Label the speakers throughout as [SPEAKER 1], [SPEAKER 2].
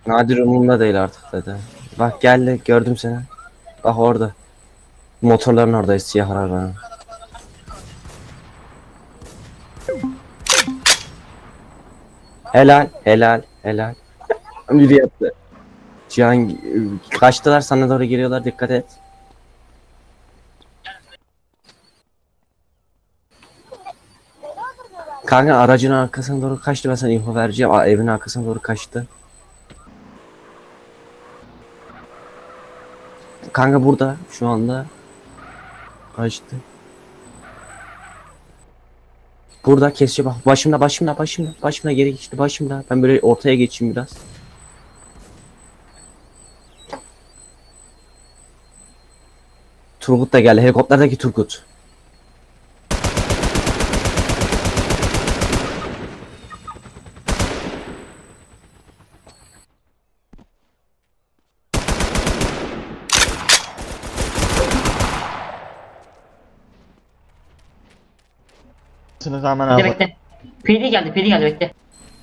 [SPEAKER 1] Nadir umurumda değil artık dedi. Bak geldi gördüm seni. Bak orada. Motorların oradayız siyah arabanın. Helal helal helal. Biri yaptı. Cihan kaçtılar sana doğru geliyorlar dikkat et. Kanka aracın arkasına doğru kaçtı ben sana info vereceğim. Evin arkasına doğru kaçtı. Kanka burada şu anda kaçtı. Burada kesiyor bak başımda geri geçti başımda. Ben böyle ortaya geçeyim biraz. Turgut da geldi helikopterdeki Turgut.
[SPEAKER 2] Sınıf hemen
[SPEAKER 3] Bekle
[SPEAKER 2] abi.
[SPEAKER 3] bekle. PD geldi bekle.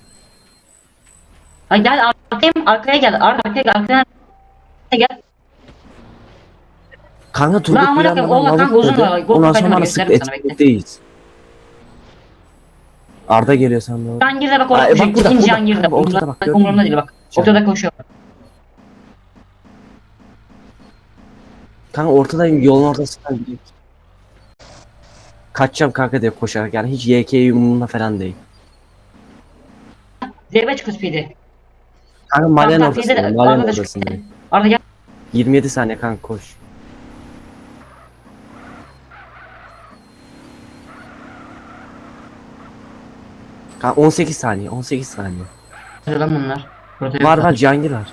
[SPEAKER 3] Ha gel arkaya gel. Arkaya gel. Arkaya gel.
[SPEAKER 1] Kanka Turgut
[SPEAKER 3] Lan amına
[SPEAKER 1] bir
[SPEAKER 3] koyayım,
[SPEAKER 1] anda
[SPEAKER 3] oğlum, kanka
[SPEAKER 1] lavuk
[SPEAKER 3] uzun
[SPEAKER 1] dedi.
[SPEAKER 3] var. Gol
[SPEAKER 1] Ondan sonra
[SPEAKER 3] kaydını
[SPEAKER 1] bana sıktı
[SPEAKER 3] gösteririm sana, bekle.
[SPEAKER 1] etkinlikteyiz. Arda geliyor sen doğru.
[SPEAKER 3] Cihangir'de bak
[SPEAKER 1] Aa,
[SPEAKER 3] orada
[SPEAKER 1] bak
[SPEAKER 3] koşuyor.
[SPEAKER 1] burada,
[SPEAKER 3] Gittin
[SPEAKER 1] burada.
[SPEAKER 3] Cihangir'de.
[SPEAKER 1] Kanka, ortada bak, gördün
[SPEAKER 3] Umurumda
[SPEAKER 1] mü?
[SPEAKER 3] değil bak.
[SPEAKER 1] Cihangir.
[SPEAKER 3] Ortada koşuyor.
[SPEAKER 1] Kanka ortadayım yolun ortasından gidiyor. Kaçacağım kanka diye koşarak yani hiç YK yumruğunda falan değil.
[SPEAKER 3] Zeybe çıkıyor PD.
[SPEAKER 1] Kanka mahallenin
[SPEAKER 3] Tamam,
[SPEAKER 1] ortasındayım.
[SPEAKER 3] PD'de
[SPEAKER 1] Mahallenin
[SPEAKER 3] Arda da
[SPEAKER 1] ortasındayım.
[SPEAKER 3] çıkıyor. Arda gel.
[SPEAKER 1] 27 saniye kanka koş. Kanka 18 saniye 18 saniye.
[SPEAKER 3] Lan bunlar. Burada
[SPEAKER 1] Var
[SPEAKER 3] yok.
[SPEAKER 1] var Cihangir var.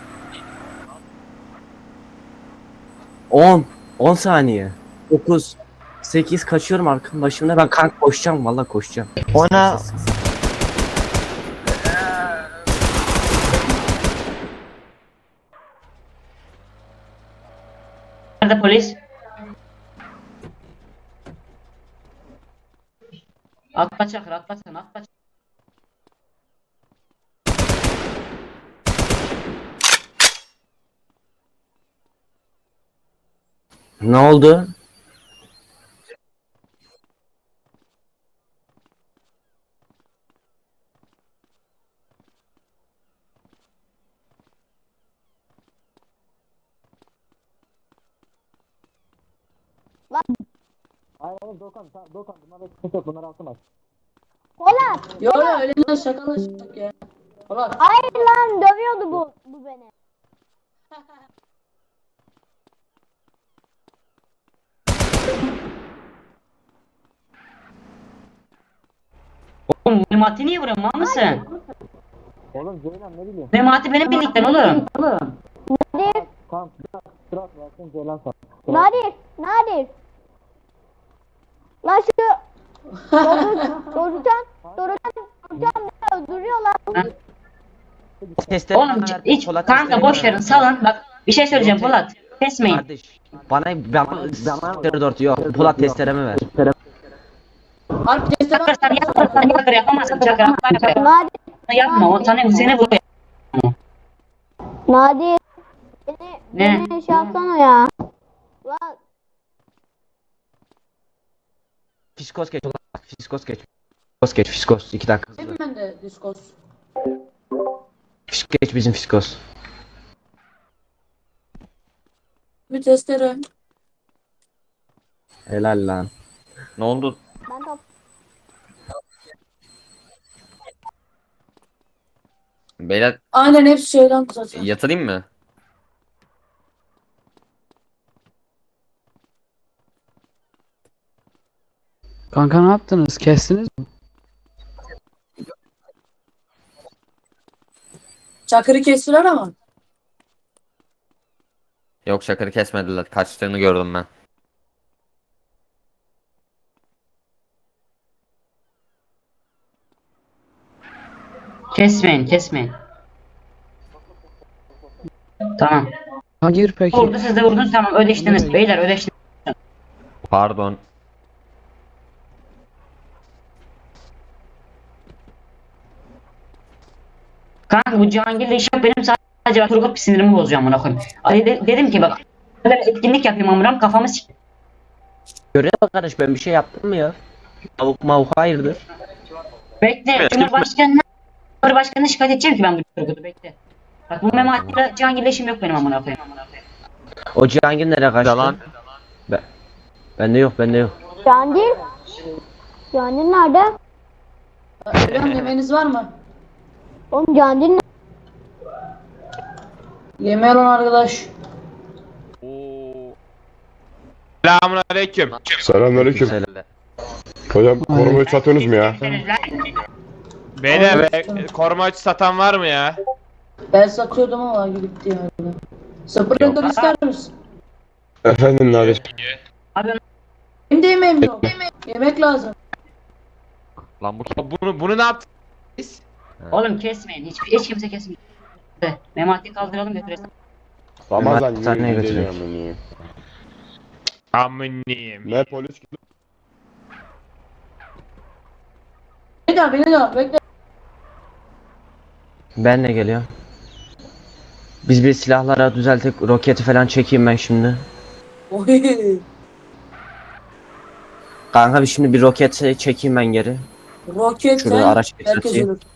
[SPEAKER 1] 10 10 saniye. 9 8 kaçıyorum arkam başımda ben kanka koşacağım vallahi koşacağım.
[SPEAKER 2] Oyna.
[SPEAKER 3] Nerede polis? Atla Çakır, atla sen, atla.
[SPEAKER 1] Ne oldu?
[SPEAKER 2] Hayır oğlum Doğukan bunlara sıkıntı yok bunları alsın.
[SPEAKER 4] Polat.
[SPEAKER 5] Yo yo öyle lan şakalaştık ya. Ulan
[SPEAKER 4] Hayır lan dövüyordu bu beni.
[SPEAKER 3] Oğlum Memati niye vuruyorsun, mal mısın?
[SPEAKER 2] Oğlum Ceylan ne bileyim.
[SPEAKER 3] Memati benim birlikten oğlum.
[SPEAKER 4] Nadir.
[SPEAKER 2] Tamam sırat versin Ceylan sana.
[SPEAKER 4] Nadir. Nadir. Lan şu Dorucan beni öldürüyor lan.
[SPEAKER 1] Testleri
[SPEAKER 3] Oğlum hiç kanka boş verin, salın. Bak bir şey söyleyeceğim Polat. Kesmeyin.
[SPEAKER 1] Kardeş bana 4 yok. Polat testeremi ver.
[SPEAKER 5] harbi testere
[SPEAKER 3] Arkadaşlar yapamazsan Çakır yapamazsın Çakır.
[SPEAKER 4] Nadir.
[SPEAKER 3] Yapma, o sana seni vuruyor.
[SPEAKER 4] Nadir.
[SPEAKER 3] Ne?
[SPEAKER 4] Beni şey yapsana ya. Lan
[SPEAKER 1] Fiskos geç ulan. Fiskos geç. Fiskos geç Fiskos 2 dakika hızlı.
[SPEAKER 5] ben de diskos.
[SPEAKER 1] Fiskos geç bizim Fiskos.
[SPEAKER 5] Bir testere.
[SPEAKER 1] Helal lan.
[SPEAKER 6] Ne oldu?
[SPEAKER 4] ben top.
[SPEAKER 6] Beyler
[SPEAKER 5] Aynen hepsi şeyden zaten.
[SPEAKER 6] yatırayım mı?
[SPEAKER 7] Kanka ne yaptınız? Kestiniz mi?
[SPEAKER 5] Çakır'ı kestiler ama.
[SPEAKER 6] Yok Çakır'ı kesmediler. Kaçtığını gördüm ben.
[SPEAKER 3] Kesmeyin. Tamam.
[SPEAKER 7] Hayır peki.
[SPEAKER 3] Vurdu, siz de vurdunuz, tamam, ödeştiniz. Beyler ödeştiniz.
[SPEAKER 6] Pardon.
[SPEAKER 3] Kanka bu Cihangir'le iş yok benim, Sadece bak Turgut sinirimi bozacağım buna koyayım. Dedim ki bak böyle etkinlik yapayım amınam kafamı sik.
[SPEAKER 1] Görev bak kardeş, ben bir şey yaptım mı ya? Tavuk mavuk hayırdır?
[SPEAKER 3] Bekle Cumhurbaşkanı'na şikayet edeceğim ki ben bu Turgut'u bekle. Bak bu Memati'yle Cihangir'le işim yok benim amına koyayım.
[SPEAKER 1] O Cihangir nereye kaçtı?
[SPEAKER 6] Yalan.
[SPEAKER 1] Bende yok, bende yok.
[SPEAKER 4] Cihangir? Cihangir nerede?
[SPEAKER 5] Hocam yemeğiniz var mı?
[SPEAKER 4] Oğlum Cihangir nerede?
[SPEAKER 5] Yemeğe olan arkadaş.
[SPEAKER 8] Selamünaleyküm.
[SPEAKER 9] Selamünaleyküm. Hocam korumayı satıyorsunuz mu ya?
[SPEAKER 8] Beyler koruma açı satan var mı ya?
[SPEAKER 5] Ben satıyordum ama gitti yani. Sprinter ister misin?
[SPEAKER 9] Efendim Nadir.
[SPEAKER 5] Benim de yemeğim yok. Yemek lazım.
[SPEAKER 6] Lan bu
[SPEAKER 8] Bunu ne yaptın?
[SPEAKER 3] Oğlum kesmeyin hiç kimse kesmeyin. Memati'yi kaldıralım götürelim.
[SPEAKER 9] Ramazan
[SPEAKER 1] Sen neye
[SPEAKER 9] yürü
[SPEAKER 1] götürüyorsun?
[SPEAKER 9] gideceğim
[SPEAKER 8] Aminim.
[SPEAKER 9] Ne polis gibi.
[SPEAKER 5] Beni de bekle.
[SPEAKER 1] Ben de geliyorum. Biz bir silahlara düzeltip roketi falan çekeyim ben şimdi.
[SPEAKER 5] Oy.
[SPEAKER 1] Kanka bir şimdi bir roket çekeyim ben geri.
[SPEAKER 5] Roket
[SPEAKER 1] Şurada
[SPEAKER 5] sen,
[SPEAKER 1] araç
[SPEAKER 5] herkes
[SPEAKER 1] bekleteyim.
[SPEAKER 5] ölür.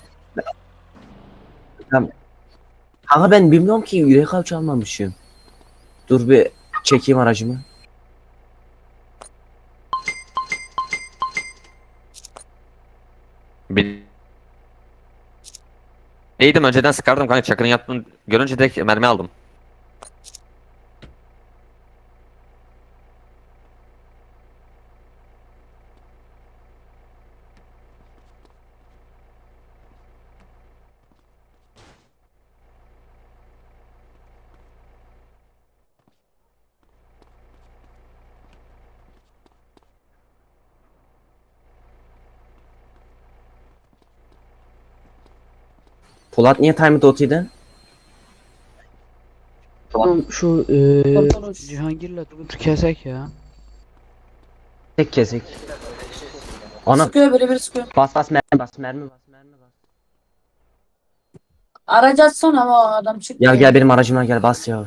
[SPEAKER 1] Kanka ben bilmiyorum ki, yürek avcı almamışım. Dur bir çekeyim aracımı.
[SPEAKER 6] Bileydim önceden sıkardım kanka, Çakır'ın yaptığını görünce direkt mermi aldım.
[SPEAKER 1] Polat niye timed OT'de?
[SPEAKER 7] Oğlum şu
[SPEAKER 5] Kurtuluş.
[SPEAKER 7] Cihangir'le Turgut'u kesek ya.
[SPEAKER 1] Tek kesik. Ana
[SPEAKER 5] Sıkıyor biri sıkıyor.
[SPEAKER 1] bas mermi bas.
[SPEAKER 5] Aracı açsana ama o adam çıktı.
[SPEAKER 1] Gel benim aracıma gel, bas ya.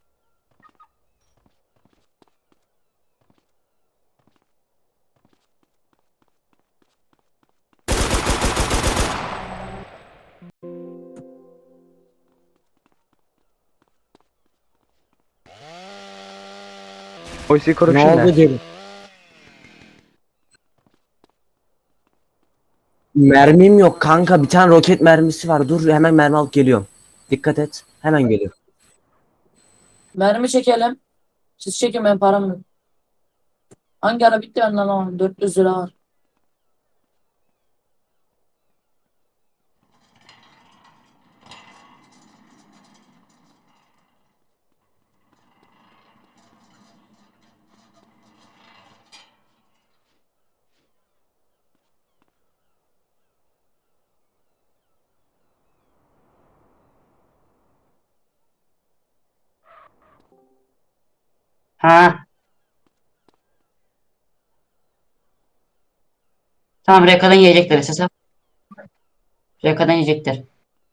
[SPEAKER 7] Oysi korup
[SPEAKER 1] Ne oldu deli? Mermim yok kanka, bir tane roket mermisi var. Dur hemen mermi alıp geliyorum. Dikkat et, hemen geliyorum.
[SPEAKER 5] Mermi çekelim. Siz çekin, ben param yok. Hangi ara bitti benden ama 400 lira var.
[SPEAKER 3] Ha. Tamam Reka'dan yiyecekler esas. Reka'dan yiyecekler.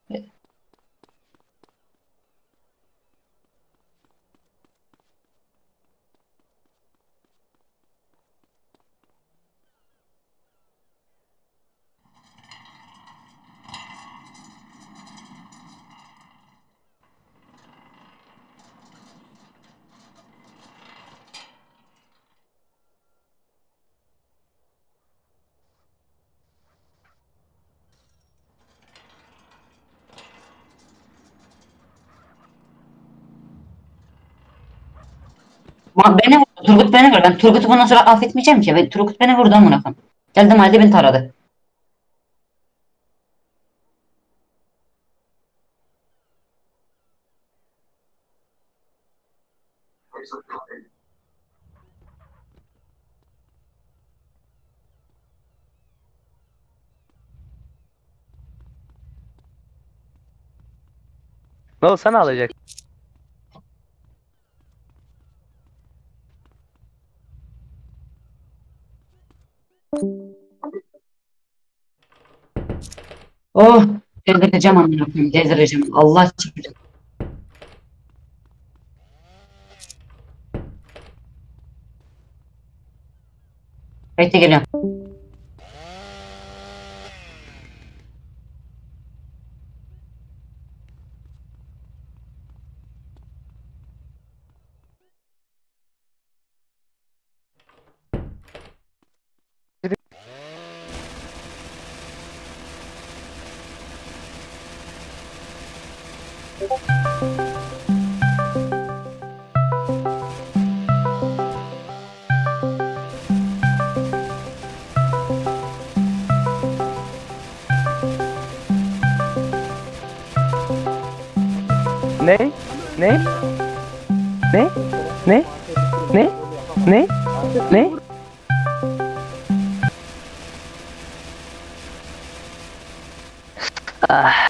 [SPEAKER 3] Beni vurdu. Turgut beni vurdu. Ben Turgut'u bundan sonra affetmeyeceğim ki. Turgut beni vurdu amına koyayım. Geldim halde beni taradı.
[SPEAKER 7] Ne olsa ne alacak?
[SPEAKER 3] Oh. Delireceğim amına koyayım. Delireceğim. Allah çarpsın. Bekle geliyorum.
[SPEAKER 7] Ne? Ne? Ne? Ne? Ne? Ne? Ne? Ah.